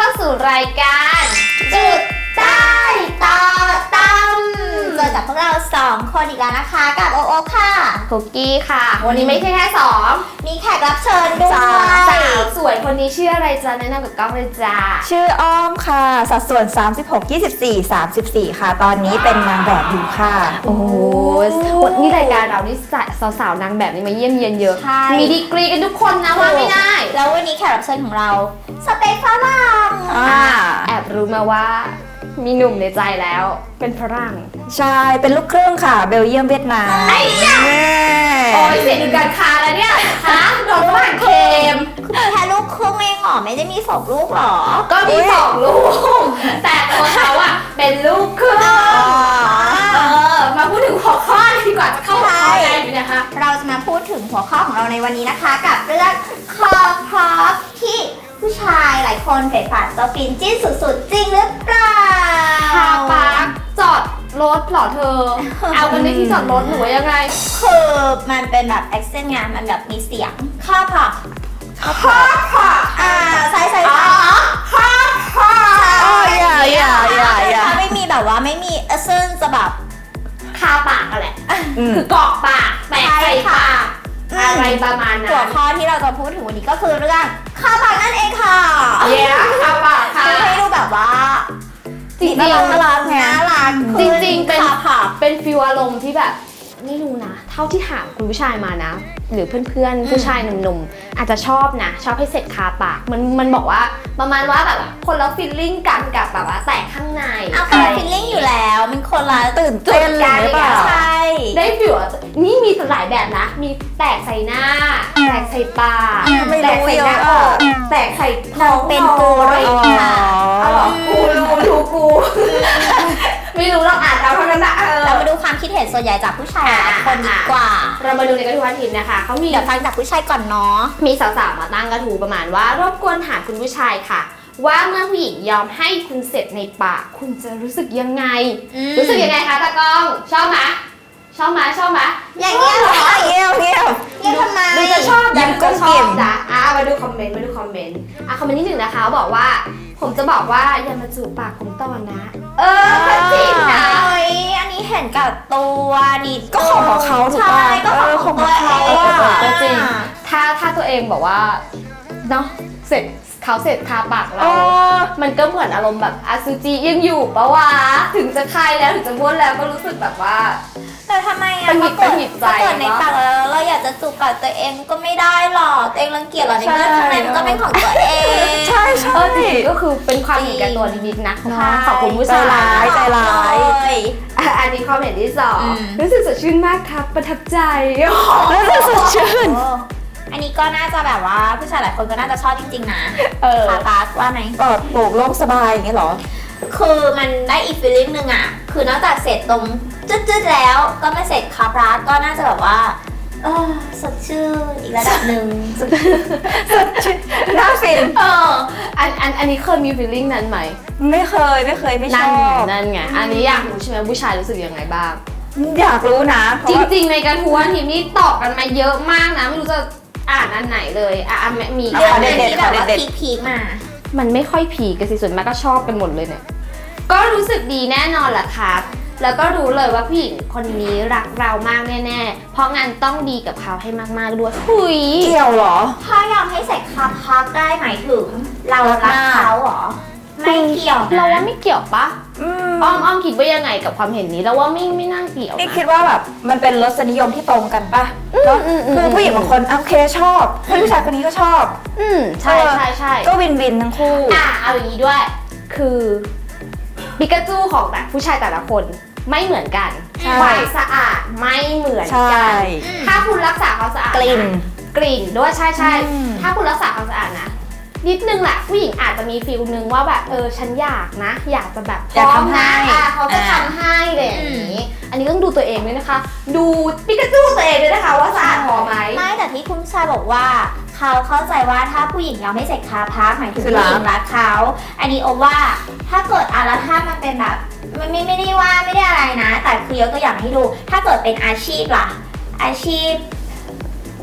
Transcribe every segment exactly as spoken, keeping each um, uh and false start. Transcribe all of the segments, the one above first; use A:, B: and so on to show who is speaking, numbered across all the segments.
A: เข้าสู่รายการจุดใต้ต่อตั้มเจอกับพวกเราสองคนอีกแล้วนะคะกับโอโอค่ะคุกกี้ค่ะวันนี้ไม่ใช่แค่สองมีแขกรับเชิญด้วยสาวสวยคนนี้ชื่ออะไรจ๊ะแนะนำกับกล้องเลยจ้า
B: ชื่ออ้อมค่ะสัดส่วนสามสิบหก ยี่สิบสี่ สามสิบสี่ค่ะตอนนี้เป็นนางแบบอยู่ค่ะ
A: โอ้โหวันนี้รายการเรานี่สาวๆนางแบบนี่มาเยี่ยมเยียนเยอะมีดีกรีกันทุกคนนะว่าไม่ได้
C: แล้ววันนี้แขกรับเชิญของเราสเปคฝรั่ง
A: แอบรู้มาว่ามีหนุ่มในใจแล้วเป็นฝรั่ง
B: ใช่เป็นลูกครึ่งค่ะเบลเยียมเวียดนาม
A: ไอ้เนี่ยโอ้ยเสียดูการค้าแล้วเนี่ยฮะโดนฝรั่งเค็ม
C: คือแค่ลูกครึ่งเองหรอไม่ได้มีสองลูกหรอ
A: ก็มีสองลูกแต่ตัวเขาอะเป็นลูกครึ่งเออมาพูดถึงหัวข้อดีกว่าจะเข้าหัวข้อได้ไหมนะคะ
C: เราจะมาพูดถึงหัวข้อของเราในวันนี้นะคะกับเรื่องคอพร็อพที่ผู้ชายหลายคนเผยผ่านตัวฟินจิ้นสุดๆจริงหรือเปล่า
A: คาปาร์คจอดรถหรอเธอ เอากันในที่จอดรถหนูยังไง
C: คือมันเป็นแบบแอคเซนต์งานมันแบบมีเสียงคาพร็อพ
A: คาพร็อพ
C: อ่าใช่ใช่ใช่
A: คาพร็อพ
B: อย่าอย่าอย่าอย่า
C: ถ้าไม่มีแบบว่าไม่มีเอเซนจะแบบ
A: คาปากอะไรคือเกาะปากแตกใส่ปากอะไรประมาณนั้น
C: หัวข้อที่เราจะพูดถึงวันนี้ก็คือเรื่องคาปากนั่นเองค่ะ
A: เย้คาปากค่ะ
C: ให้ดูแบบว่า
A: จริงๆ
C: น่ารักน่ารักน่ารัก
A: จริงๆเป็นเป็นฟีลอารมณ์ที่แบบไม่รู้นะเท่าที่ถามคุณผู้ชายมานะหรือเพื่อนๆผู้ชายหนุ่มๆอาจจะชอบนะชอบให้เสร็จคาปากมันมันบอกว่าประมาณว่าแบบคนละฟีลลิ่งกันกับแบบว่าแตกข้างใน
C: เอาคนละฟีลลิ่งอยู่แล้วมันคนละ
B: ตื่นเต้นเลยหรือเปล่า
C: ใช่
A: ได้ฟีลนี่มีหลายแบบนะมีแตกใส่หน้าแตกใส่ปากแตกใส่หน้าอกแตกใส่ท้อง
C: เป็นกูเลยค่ะ
A: อ๋อกูรู้ดูกูไม่รู้เราอ่านเราเท่านั้นนะ
C: เรามาดูความคิดเห็นส่วนใหญ่จากผู้ชายหลายคนดีกว่า
A: เรามาดูในกระทู้วันทิพย์นะคะเขามี
C: เดี๋ยวฟังจากผู้ชายก่อนเนาะ
A: มีสาวๆมาตั้งกระทู้ประมาณว่ารบกวนถามคุณผู้ชายค่ะว่าเมื่อผู้หญิงยอมให้คุณเสร็จในปากคุณจะรู้สึกยังไงรู้สึกยังไงคะตากล้องชอบไหมชอบไหมชอบไหม
C: อย่างเงี้ยเหรอ
B: เงี้ยเงี้ย
C: เงี้ยทำไม
A: ดูจะชอบดันก็ชอบจ้ะอ่ะมาดูคอมเมนต์มาดูคอมเมนต์อ่ะคอมเมนต์ที่หนึ่งนะคะบอกว่าผมจะบอกว่าอย่ามาจูบปากผมต่อนะเออจริงนะ
C: เฮ้ยอันนี้เห็นกับตัวนี่
B: ก็ของเขาถูกป่ะ
C: ก็ของตัวเอง
A: ก็จริงถ้าถ้าตัวเองบอกว่าเนาะเสร็จเขาเสร็จคาปากเรามันก็เหมือนอารมณ์แบบอสุจิยังอยู่ปะวะถึงจะคายแล้วถึงจะบ้วนแล้วก็รู้สึกแบบว่า
C: แต่ทำไมอ่ะ
A: ถ้าเกิด
C: ในปากแล้วเราอยากจะจูบปากตัวเองก็ไม่ได้หรอกตัวเองรังเกียจหรอในเมื่อข้างในมันก็เป็นของตัวเอง
B: ใช่ใช่
A: จริงก็คือเป็นความเห็นแก่ตัวนิดๆนะขอบคุณผู้ชาย
B: ใจร้ายใจร้าย
A: อันนี้ความเห็นที่สองรู้สึกสดชื่นมากครับประทับใจ
B: รู้สึกสดชื่น
C: อันนี้ก็น่าจะแบบว่าผู้ชายหลายคนก็น่าจะชอบจริงๆนะคาปาสว่าไหม
B: ปลอดโปร่งโล่งสบายอย่างเงี้ยหรอ
C: คือมันได้อีกฟีลลิ่งนึงอ่ะคือนอกจากเสร็จตรงจืดๆแล้วก็ไม่เสร็จคาปาสก็น่าจะแบบว่าเออสดชื่นอีกระดับหนึ่ง
B: สดชื่นน่าฟิน
A: เอออันอันอันนี้เคยมีฟีลลิ่งนั้นไหม
B: ไม่เคยไม่เคยไม่ชอบ
A: นั่นไงอันนี้อยากรู้ใช่ไหมผู้ชายรู้สึกยังไงบ้าง
B: อยากรู้นะ
A: จริงๆในกระทู้วันทิพย์นี่ตอบกันมาเยอะมากนะไม่รู้จะอ่านอันไหนเลยอ่ะมี
C: เรื่องอะไรที่แบบว่าพีคๆมา
A: มันไม่ค่อยผีกันสิส่วนมากก็ชอบกันหมดเลยเนี่ยก็รู้สึกดีแน่นอนแหละครับแล้วก็รู้เลยว่าผู้หญิงคนนี้รักเรามากแน่ๆเพราะงั้นต้องดีกับเขาให้มากๆด้วยหุย
B: เกี่ยวเหรอ
C: ถ้ายอมให้ใส่คาพักได้หมายถึงเรารักเขาเหรอไม่เกี่ยว
A: เราว่าไม่เกี่ยวปะอ้อมอ้อมคิดว่ายังไงกับความเห็นนี้แล้วว่าไม่ไม่น่าเกี่ยว
B: นี่คิดว่าแบบมันเป็นรสนิยมที่ตรงกันปะเนาะคือผู้หญิงบางคนโอเคชอบผู้ชายคนนี้ก็ชอบ
A: อืมใช่ใช่ใช่
B: ก็วินวินทั้งคู่
A: อ่ะเอาอย่างนี้ด้วยคือปิกาจูของแต่ผู้ชายแต่ละคนไม่เหมือนกันความสะอาดไม่เหมือนกันถ้าคุณรักษาความสะอาด
B: กลิ่น
A: กลิ่นด้วยใช่ใช่ถ้าคุณรักษาความสะอาดนะนิดนึงแหละผู้หญิงอาจจะมีฟีลนึงว่าแบบเออฉันอยากนะอยากจะแบบ
B: พร้อมนะ
A: เขาจะทำให้เลยอย่างนี้อันนี้ต้องดูตัวเองด้วยนะคะดูปิกาจูตัวเองด้วยนะคะว่าสะอาดพอไหม
C: ไม่แต่ที่คุณชายบอกว่าเขาเข้าใจว่าถ้าผู้หญิงยอมให้ใส่คาพักหมายถึงผู้หญิงรักเขาอันนี้โอว่าถ้าเกิดอาราธามันเป็นแบบมันไม่ไม่ได้ว่าไม่ได้อะไรนะแต่คือยกตัวอย่างให้ดูถ้าเกิดเป็นอาชีพล่ะอาชีพ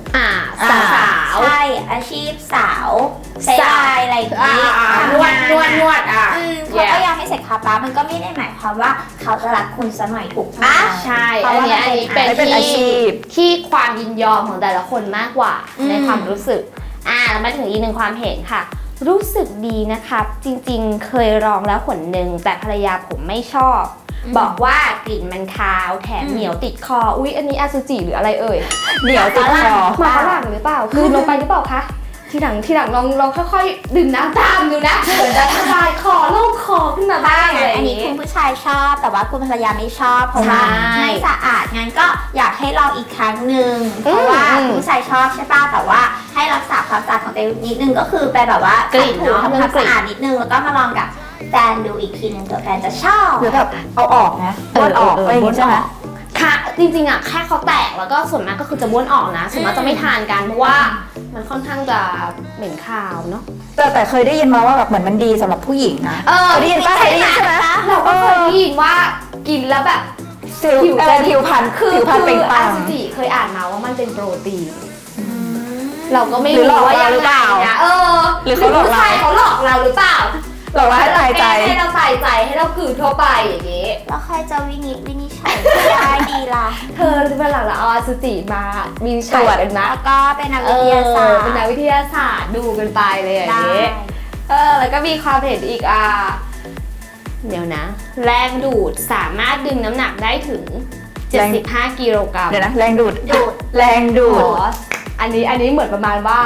A: อ่า
B: อ่า
A: สาว
C: ใช่อาชีพสาวใช้ไลน์อะไรอย่าง
A: อ่า
C: นี้
A: อ่าน
C: ทำ
A: วด
C: งาน
A: นวดนวดอ่ะ
C: อืมเขาก็ยังไม่เสร็จคาปามันก็ไม่ได้หมายความว่าเขาจะรักคุณซะหน่อยถูกปะ
A: ใช่
C: เพ
A: อั
C: ราะ
A: น
C: ว่า
A: เนี้ยอันนี้เป็น
B: เป็นอาชี
A: ที่
B: พ
A: ที่ความยินยอมของแต่ละคนมากกว่า
C: อืม
A: ในความรู้สึกอ่าแล้วมาถึงอีกหนึ่งความเห็นค่ะ รู้สึกดีนะครับ จริงๆ เคยลองแล้วหนหนึ่งแต่ภรรยาผมไม่ชอบ บอกว่ากลิ่นมันคาวแถมเหนียวติดคอ อุ๊ย อันนี้อสุจิหรืออะไรเอ่ย
B: เหนียวติดคอ
A: มาฝรั่งหรือเปล่า คือลงไปหรือเปล่าคะ ทีหลังทีหลังลองลองค่อยๆดื่มน้ำตามดูนะเหมือนจะระบายคอโล่งคอขึ้นมาบ้างอะไรอ
C: อัน
A: ย่าง
C: นี้
A: นี้
C: คุณผู้ชายชอบแต่ว่าคุณภรรยาไม่ชอบเพราะว่า
A: ใช่
C: ไม่สะอาดงั้นก็อยากให้ลองอีกครั้งหนึ่งเพราะว่า
A: อืม
C: คุณผู้ชายชอบใช่ป่ะแต่ว่าให้รักษาความสะอาดของตัวเองนิดนึงก็คือไปแบบว่าก
A: ลิ่น
C: ถู
A: เนอะ
C: ทำความสะอาดนิดนึงแล้วก็มาลองกับแฟนดูอีกทีนึงเผื่อแฟนจะชอบ
B: หรือแบบเอาออกนะบ้วนออกอะไรอย่างงี้ใช่ไหม
A: ค่ะจริงๆอ่ะแค่เขาแตกแล้วก็ส่วนมากก็คือจะบ้วนออกนะส่วนมากจะไม่ทานกันเพราะว่ามันค่อนข้างจะเหม็นคาวเนาะ
B: แต่แต่เคยได้ยินมาว่าแบบเหมือนมันดีสำหรับผู้หญิงนะ
A: เออ
B: เคยได้ยินป่ะเคยได้ยินใช่ไหม
A: เราก็เคยได้ยินว่ากินแล้วแบบ
B: ผิวเออผิวพรรณ
A: คือ
B: ผิวพรรณ
A: คื
B: เปล่ง
A: อ
B: ป
A: อา
B: ลั่ง
A: ซูจิเคยอ่านมาว่ามันเป็นโปรตีน เราก็ไม่
B: หรือ
A: รู้
B: หลอก
A: ว่า
B: เรา
A: ยัง
B: หรือ
A: ไง
B: เปล่า
A: นะเออ
B: หรือเขาหลอกเรา
A: ผู้ชายเขาหลอกเราหรือเปล่า
B: หลอกเราให้ตายใจ
A: ให้เราตายใจให้เรากลืนทั่วไปอย่างนี้
C: แล้วใครจะวินิจวินิจฉัยได้ดีล่ะ
A: เธอเป็นหลังเราเอาอาซูจิมามีตรวจกันนะ
C: แล้วก็เป็นนัก
A: เอ
C: วิท
A: อย
C: าศาสตร์
A: เป็นนักวิทยาศาสตร์ดูกันไปเลยอย่าง
C: ได้
A: นี้เออแล้วก็มีความเห็นอีกอ่ะเดี๋ยวนะ แรงดูดสามารถดึงน้ำหนักได้ถึง เจ็ดสิบห้า กิโลกรัม
B: เดี๋ยวนะแรงดูด
C: ดูด
B: แรงดู
A: อ๋
B: ด
A: ออันนี้อันนี้เหมือนประมาณว่า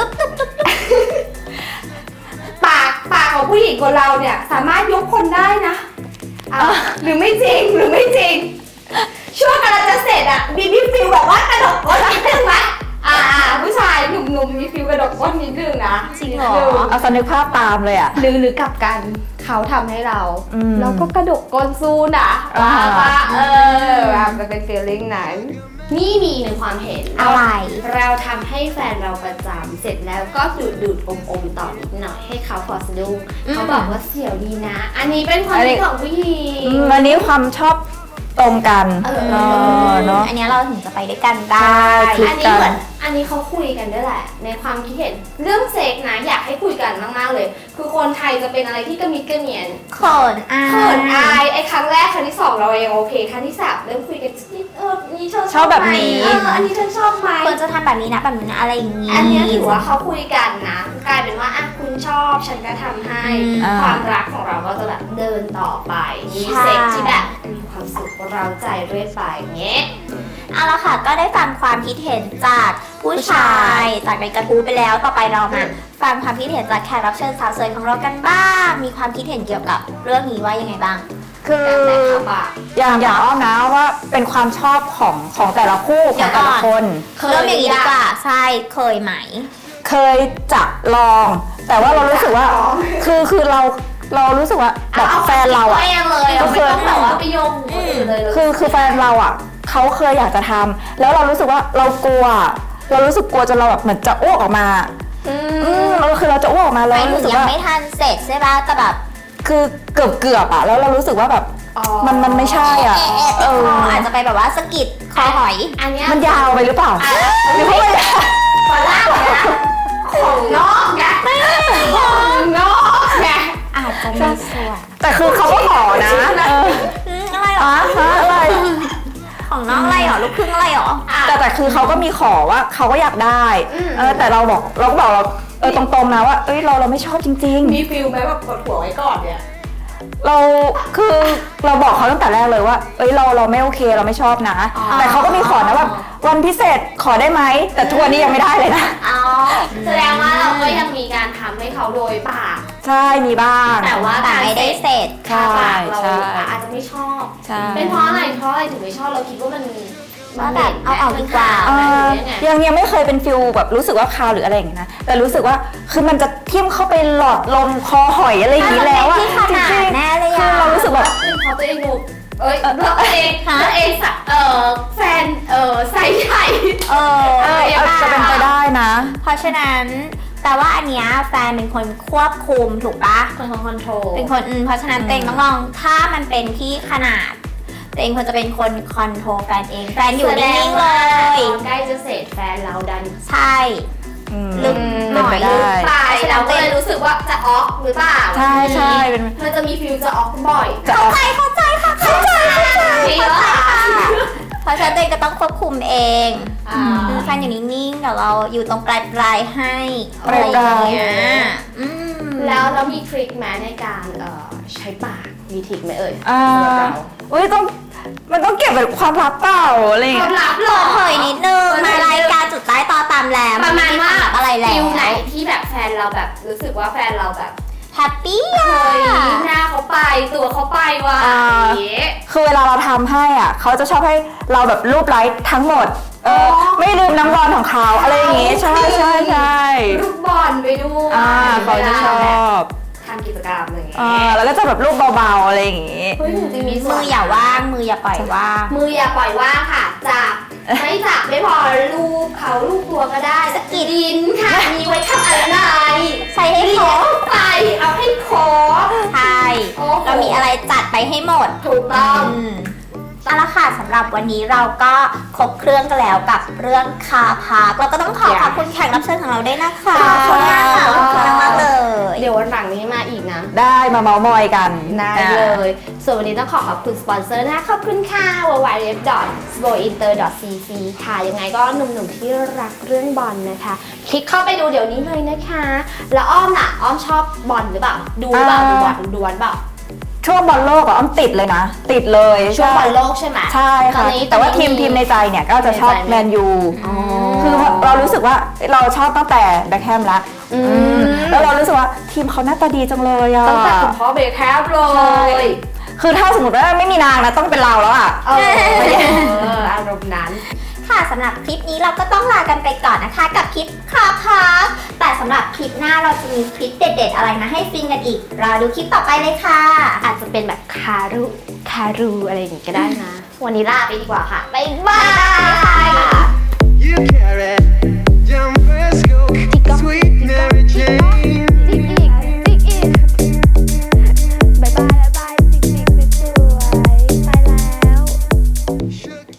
A: ปากปากของผู้หญิงคนเราเนี่ยสามารถยกคนได้นะอ่ะหรือไม่จริงหรือไม่จริง ช่วงกำลังจะเสร็จอ่ะมีมีฟิลแบบว่ากระดกก้นนิดนึงไหมอ่าผู้ชายหนุ่มๆมีฟิลกระดกก้นนิดนึงนะ
C: จริงเหรอ
A: นิดนึง
B: เอาสนึกภาพตามเลยอ่ะ
A: หรือหรือกลับกันเขาทำให้เรา
B: อืม
A: เราก็กระดกก้นสู้นะ
B: อ่า
A: ว่าว่าเออแบบมันเป็นฟีลลิ่งนั้นนี่มีหนึ่งความเห็น
C: อะไร
A: เราทำให้แฟนเราประจำเสร็จแล้วก็ดูดดูดอมอมต่อนิดหน่อยให้เขาฟอสะดุ้ง
C: อืม
A: เขาบอกว่าเสียวดีนะ อันนี้เป็นความ
B: อันนี้
A: คิดของผู้หญิง
B: อืมวันนี้ความชอบตรงกัน
A: เออ
B: เออเนาะ
C: อันนี้เราถึงจะไปด้วยกันได้
B: ใช่คลิ
A: อันนี้เหมือนอันนี้เขาคุยกันด้วยแหละ ในความคิดเห็นเรื่องเซ็กนะอยากให้คุยกันมากๆเลย คือคนไทยจะเป็นอะไรที่กระมิดกระเหนียน
C: เขินอาย
A: เขินอายไอ้ครั้งแรกครั้งที่สองเรายังโอเคครั้งที่สามเริ่มคุยกันนิดเออนี่เธอ
B: ชอบแบบนี้
A: ไหมเอออันนี้เธอชอบไหม
C: ควรจะทำแบบนี้นะแบบนี้นะอะไรอย่างนี้
A: อันเนี้ยถือว่าเขาคุยกันนะ กลายเป็นว่าอ่ะคุณชอบฉันก็ทำให้
B: อ่า
A: ความรักของเราก็จะแบบเดินต่อไปมีเซ็กที่แบบมีความสุขเราใจเรื่อยไปอย่างเงี้ย
C: เอาละค่ะก็ได้ฟังความคิดเห็นจากผู้ชายจากในกระทู้ไปแล้วต่อไปเรามาฟังความคิดเห็นจากแขกรับเชิญสาวสวยของเรากันบ้าง มีความคิดเห็นเกี่ยวกับเรื่องนี้ว่ายังไงบ้าง
B: คือ
A: การแต่งขาบะ
B: อย่างอย่างอ้อมนะว่าเป็นความชอบของของแต่ละคู่ของแต่ละคน
C: เริ่มอย่างนี้ดีกว่าใช่เคยไหม
B: เคยจะลอง แต่ว่าเรารู้สึกว่า คือคือเราเรารู้สึกว่าแบบแฟนเราอ่ะ
A: ไม่ยังเลยเราไม่ต้องแบบว่าไปโยงคนอื่นเลยเลย
B: คือคือแฟนเราอ่ะเขาเคยอยากจะทำแล้วเรารู้สึกว่าเรากลัว เรารู้สึกกลัวจนเราแบบเหมือนจะอ้วกออกมา
A: อื
B: อื
A: ม
B: มเราคือเราจะอ้วกออกมา
C: ไป
B: แล้ว
C: ถึ
B: รู้
C: ง
B: สึก
C: ยัง
B: ว่า
C: ไม่ทันเสร็จใช่ปะแต่แบบ
B: คือเกือบเกือบๆอ่ะแล้วเรารู้สึกว่าแบบ
A: อ๋อ
B: มันมันไม่ใช่อ่ะ
C: เอ๊ะ
B: เอ
C: เอ๊ะ
B: อ
C: คออาจจะไปแบบว่าสะกิดคอหอย
A: อันเนี้ย
B: มันยาวไปหรือเปล่า
A: อ่ะ
B: หรือเพราะว่า
A: ฝรั่งนะของนอกไงของนอกไง
C: อาจจะมีส่วน
B: แต่คือเขาก็ขอนะเออ
C: อืมอะไรหรอ
B: ฮะอะไร
C: ของน้องอะไรหรอลูกครึ่งอะไรหรอ
B: แต่แต่คือเขาก็มีขอว่าเขาก็อยากได้
A: อืม
B: เออแต่เราบอกเราก็บอกเราเออตรงๆนะว่าเอ้ยเราเราไม่ชอบจริง
A: มีฟิลไหมแบบกดหัวไว้ก่อนเนี่ย
B: ๆ เราคือเราบอกเขาตั้งแต่แรกเลยว่าเอ้ยเราเราไม่โอเคเราไม่ชอบนะ
A: อ๋อ
B: แต่เขาก็มีขอนะแบบวันพิเศษขอได้ไหมแต่ทุกวันนี้ยังไม่ได้เลยนะ
A: อ๋อแสดงว่าเราก็ยังมีการทำให้เขาโดยปาก
B: ใช่มีบ้าง
A: แต่ว่า
C: แต่ไม่ได้เสร็จ
B: ใช่
A: ปากเรา
B: ใช่
A: อาจจะไม่ชอบ
B: ใช่
A: เป็นเพราะอะไรเพราะอะไรถึงไม่ชอบเราคิดว่ามัน
C: ว่าแบบเอาออกดีกว่า
B: เอ
A: มัน
B: อ
A: หรือยังไง
B: ยังยังไม่เคยเป็นฟิลแบบรู้สึกว่าคาวหรืออะไรอย่างเงี้ยนะแต่รู้สึกว่าคือมันจะทิ่มเข้าไปหลอดลมคอหอยอะไรอย่างนี้แล้วอะ
C: ที่ข
B: จ
C: นาด
B: ริง
C: แน่เลย
B: ๆคื
C: อะ
B: อเรารู้สึกแบบ
A: เป็นเพราะตัวเองดูเอ้ยตัวเอง
C: ฮะ
A: ตัวเองสะเออแฟนเออไซส์ใหญ่
C: เออ
B: เอออาจจะเป็นไปได้นะ
C: เพราะฉะนั้นแต่ว่าอันเนี้ยแฟนเป็นคนควบคุมถูกปะ
A: คนของคอนโทรล
C: เป็นคนอืมเพราะฉะนั้นเต็งต้องลองถ้ามันเป็นที่ขนาดเตัวเองควรจะเป็นคนคอนโทรลแฟนเองแฟนอยู่นิ่งๆเลย
A: ใกล้จะเสร็จแฟนเราดัน
C: ใช่
B: อืม
C: ลึกหน่อย
B: เป็นไปได้
A: ไปเราก็เลยรู้สึกว่าจะออกหรือเปล่า
B: ใช่ใช่เป็น
A: มันจะมีฟิลจะออกบ่อย
B: จะออก
C: เข้าใจค่ะเข้าใจเข้าใจ
A: จริงเหรอ
C: เพราะฉะนั้นตัวเองก็ต้องควบคุมเอง
A: อ่า
C: แฟนอยู่นิ่งๆเดี๋ยวเราอยู่ตรงปลายปลายๆให้
B: ปลายๆ
C: อะไรอย่างเงี้ยอืม
A: แล้วเรามีทริคไหมในการเอ่อใช้ปากมีทริคไหมเอ่ย
B: อ่า
A: สำหรับเรา
B: อุ้ยต้องมันต้องเก็บแบบความลับเปล่าอะไรอย่าง
A: ควา
B: เงี้
A: ม
B: ย
A: ลับเหร
C: เปิ
A: อ
C: ดเผยนิดนึง
A: เปิดเผยนิดนึง
C: มารายการจุดใต้ต่อตามแล้ว
A: ประมาณว่า
C: ไอะไรแล้
A: ฟิล
C: ว
A: ไหนที่แบบแฟนเราแบบรู้สึกว่าแฟนเราแบบ
C: แฮปปี้
A: เฮ้
C: อ่ะ
A: ยหน้าเขาไปตัวเขาไปว่ะ
B: อ่า
A: อย่างเงี้ย
B: คือเวลาเราทำให้อ่ะเขาจะชอบให้เราแบบรูปไลค์ทั้งหมดเออ
A: อ๋อ
B: ไม่ลืมน้ำร้อนของเขาอะไรอย่างงี้ใช่ใช่ใช่
A: ลูกบอลไปด้วย
B: อ่าเขาจะชอบ
A: ทำกิจกรรมอะไรอย่างเงี้
B: อ่าย แล้วก็จะแบบรูปเบาๆอะไรอย่างงี้
A: เฮ้ยจริงๆมีส่
C: มื
A: วน
C: ออย่าว่างมืออย่าปล่อยว่าง
A: มืออย่าปล่อยว่างค่ะจับไม่จับไม่พอลูบเขาลูบตัวก็ได้สกีดินค่ะมีไว้ทำอะไร
C: ใส่ให้
A: เลี้
C: คร
A: ย
C: บ
A: งไปเอาให้ครบ
C: ใช่
A: โอ้โห
C: เรามีอะไรจัดไปให้หมด
A: ถูกต้อง
C: อืมเอาละค่ะสำหรับวันนี้เราก็ครบเครื่องกันแล้วกับเรื่องคาพาร์คเราก็ต้องขอขอบคุณแขกรับเชิญของเราด้วยนะคะ
B: ขอบคุณค่ะ
C: ขอบคุณมากๆเลย
A: เดี๋ยววันหลังนี้มาอีกนะ
B: ได้มาเมาส์มอยกัน
A: ได้เลย ส่วนวันนี้ต้องขอขอบคุณสปอนเซอร์นะคะขอบคุณค่ะ ดับเบิลยู ดับเบิลยู ดับเบิลยู ดอท สโบอินเตอร์ ดอท ซี ซี ค่ะ ยังไงก็หนุ่มๆที่รักเรื่องบอลนะคะ คลิกเข้าไปดูเดี๋ยวนี้เลยนะคะ แล้วอ้อมล่ะ อ้อมชอบบอลหรือเปล่า ดูหรือเปล่า ดูบอลดูบอลเปล่า
B: ช่วงบอลโลกอ่ะอ้อมติดเลยนะ ติดเลย
A: ช่วงบอลโลกใช่ไหม
B: ใช่
A: ตอ
B: ค่ะ
A: นนี้
B: แต่ว่าทีมทีมในใจเนี่ยก็จะชอบ
A: ในใจไหม
B: แมนยู
A: อ๋อ
B: คือเรารู้สึกว่าเราชอบตั้งแต่แบ็คแฮมละ
A: อืม
B: อืมแล้วเรารู้สึกว่าทีมเขาหน้าตาดีจังเลยอ่ะ
A: ตั้งแต่คุณพ่อเบคแฮมเล
B: ใช่
A: ย
B: คือถ้าสมมติว่าไม่มีนางนะต้องเป็นเราแล้วอ่ะ
A: เอออารมณ์นั้น
C: ค่ะสำหรับคลิปนี้เราก็ต้องลากันไปก่อนนะคะกับคลิปคาพาร์คแต่สำหรับคลิปหน้าเราจะมีคลิปเด็ดๆอะไรมาให้ฟินกันอีกรอดูคลิปต่อไปเลยค่ะ
A: อาจจะเป็นแบบคารุคารูอะไรอย่างงี้ก็ได้นะ วันนี้ลาไปดีกว่าค่ะ บ๊ายบาย
C: บ๊ายบาย
D: You carry